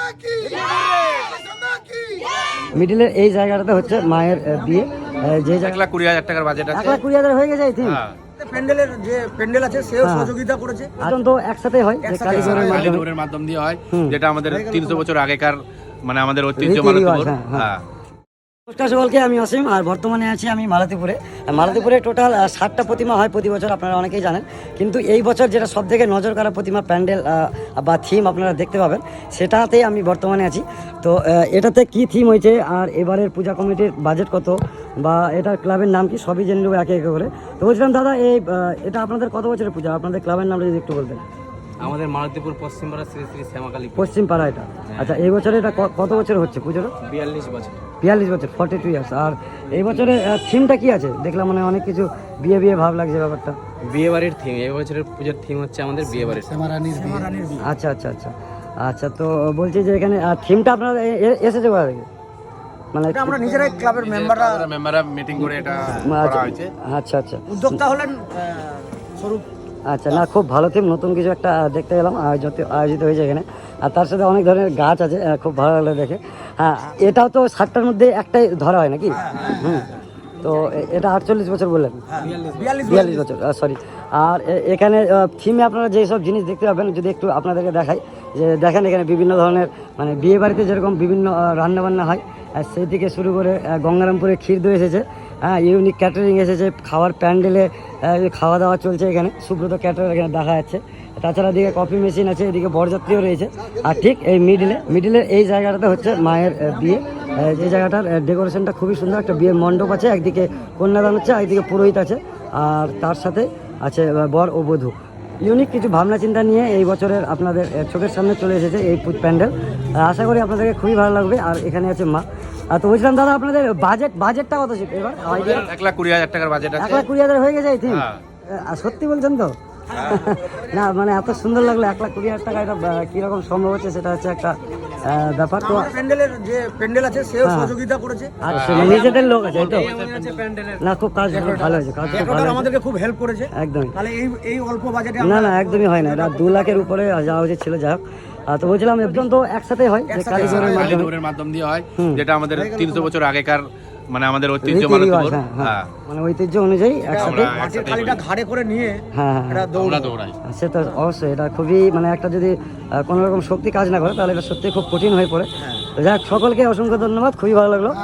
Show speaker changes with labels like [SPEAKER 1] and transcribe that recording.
[SPEAKER 1] মিডিলের এই জায়গাটাতে হচ্ছে মায়ের বিয়ে, যে
[SPEAKER 2] 1,20,000 টাকার বাজেট আছে।
[SPEAKER 1] 1,20,000 হয়ে গেছে এই থিম।
[SPEAKER 3] প্যান্ডেলের যে প্যান্ডেল আছে সেও সহযোগিতা করেছে।
[SPEAKER 1] এখন তো একসাথে হয়, যে
[SPEAKER 2] কালীগড়ের মাধ্যম দিয়ে হয়, যেটা আমাদের 300 বছর আগেকার মানে আমাদের ঐতিহ্য মালতীপুর। হ্যাঁ।
[SPEAKER 1] নমস্কার সকলকে, আমি অসীম, আর বর্তমানে আছি আমি মালতীপুরে। মালতীপুরে টোটাল 60টা প্রতিমা হয় প্রতি বছর, আপনারা অনেকেই জানেন। কিন্তু এই বছর যেটা সব থেকে নজর কাড়া প্রতিমা প্যান্ডেল বা থিম আপনারা দেখতে পাবেন, সেটাতেই আমি বর্তমানে আছি। তো এটাতে কি থিম হয়েছে, আর এবারের পূজা কমিটির বাজেট কত, বা এটার ক্লাবের নাম কি, সবই জেনে নেবো একে একে করে। তো বলছিলাম দাদা, এটা আপনাদের কত বছরের পূজা? আপনাদের ক্লাবের নামটা যদি একটু বলতেন।
[SPEAKER 4] আমাদের মালতীপুর পশ্চিমপাড়া শ্রী শ্রী শ্যামাকালী
[SPEAKER 1] পশ্চিম পাড়া এটা। আচ্ছা, এই বছরে এটা কত বছর হচ্ছে পুজোটা?
[SPEAKER 4] 42 বছর।
[SPEAKER 1] 42 বছর, 42 ইয়ার্স। আর এই বছরে থিমটা কি আছে? দেখলাম মানে অনেক কিছু বিয়ে বিয়ে ভাব লাগছে ব্যাপারটা।
[SPEAKER 4] বিয়ে বাড়ির থিম, এই বছরের পূজার থিম হচ্ছে আমাদের বিয়ে বাড়ির।
[SPEAKER 1] আচ্ছা আচ্ছা আচ্ছা আচ্ছা। তো বলছি যে এখানে থিমটা আপনারা এসেছে কোথা থেকে? মানে
[SPEAKER 3] আমরা নিজেরাই ক্লাবের
[SPEAKER 2] মেম্বাররা মিটিং করে এটা করা হয়েছে।
[SPEAKER 1] আচ্ছা আচ্ছা,
[SPEAKER 3] উদ্যোক্তা হলেন স্বরূপ।
[SPEAKER 1] আচ্ছা, না খুব ভালো থিম, নতুন কিছু একটা দেখতে গেলাম আয়োজিত হয়েছে এখানে। আর তার সাথে অনেক ধরনের গাছ আছে, খুব ভালো লাগলো দেখে। হ্যাঁ, এটাও তো 60টার মধ্যে একটাই ধরা হয় নাকি? হুম। তো এটা 48 বছর বললেন? 42 বছর, সরি। আর এখানে থিমে আপনারা যেসব জিনিস দেখতে পাবেন, যদি একটু আপনাদেরকে দেখাই, যে দেখেন এখানে বিভিন্ন ধরনের মানে বিয়ে বাড়িতে যেরকম বিভিন্ন রান্নাবান্না হয়, সেই থেকে শুরু করে গঙ্গারামপুরে ক্ষীর দই এসেছে। হ্যাঁ, ইউনিক ক্যাটারিং এসেছে, খাওয়ার প্যান্ডেলে খাওয়া দাওয়া চলছে এখানে, সুব্রত ক্যাটার এখানে দেখা যাচ্ছে। তাছাড়া এদিকে কফি মেশিন আছে, এদিকে বরযাত্রীও রয়েছে। আর ঠিক এই মিডিলের এই জায়গাটাতে হচ্ছে মায়ের বিয়ে। এই জায়গাটার ডেকোরেশনটা খুবই সুন্দর, একটা বিয়ের মণ্ডপ আছে, একদিকে কন্যাদান হচ্ছে, একদিকে পুরোহিত আছে, আর তার সাথে আছে বর ও বধূ। ইউনিক কিছু ভাবনা চিন্তা নিয়ে এই বছরের আপনাদের চোখের সামনে চলে এসেছে এই প্যান্ডেল। আশা করি আপনাদেরকে খুবই ভালো লাগবে। আর এখানে আছে মা। তো বলছিলাম দাদা, আপনাদের বাজেটটা কত ছিল এবার?
[SPEAKER 2] 1,20,000 টাকার বাজেট আছে।
[SPEAKER 1] 1,20,000 হয়ে গেছে এই থিম? সত্যি বলছেন তো? না মানে এত সুন্দর লাগলো, 1,20,000 টাকা, এটা কিরকম সম্ভব হচ্ছে সেটা হচ্ছে একটা ব্যাপার। তো
[SPEAKER 3] প্যান্ডেলের যে প্যান্ডেল আছে সেও সহযোগিতা করেছে।
[SPEAKER 1] আচ্ছা, নিজেদের লোক আছে তো? না, খুব কাজ ভালো হয়েছে, কাজ খুব ভালো,
[SPEAKER 3] আমাদেরকে খুব হেল্প করেছে
[SPEAKER 1] একদমই।
[SPEAKER 3] তাহলে এই অল্প বাজেটে
[SPEAKER 1] না না, একদমই হয় না, এটা 2 লাখের উপরে যাওয়া উচিত ছিল। যাই হোক, তো বলছিলাম একজন তো একসাথে হয়, যে
[SPEAKER 2] কালীগড়ের মাধ্যম দিয়ে হয়, যেটা আমাদের 300 বছর আগেকার মানে আমাদের ঐতিহ্য মালতীপুর।
[SPEAKER 1] হ্যাঁ, মানে ঐতিহ্য অনুযায়ী একসাথে
[SPEAKER 3] মাটির থালিটা ঘাড়ে করে নিয়ে
[SPEAKER 1] হ্যাঁ
[SPEAKER 2] আমরা দৌড়াই।
[SPEAKER 1] সেটা অবশ্যই, এটা খুবই মানে একটা যদি কোনো রকম শক্তি কাজ না করে, তাহলে এটা সত্যি খুব কঠিন হয়ে পড়ে। যাক, সকলকে অসংখ্য ধন্যবাদ, খুবই ভালো লাগলো।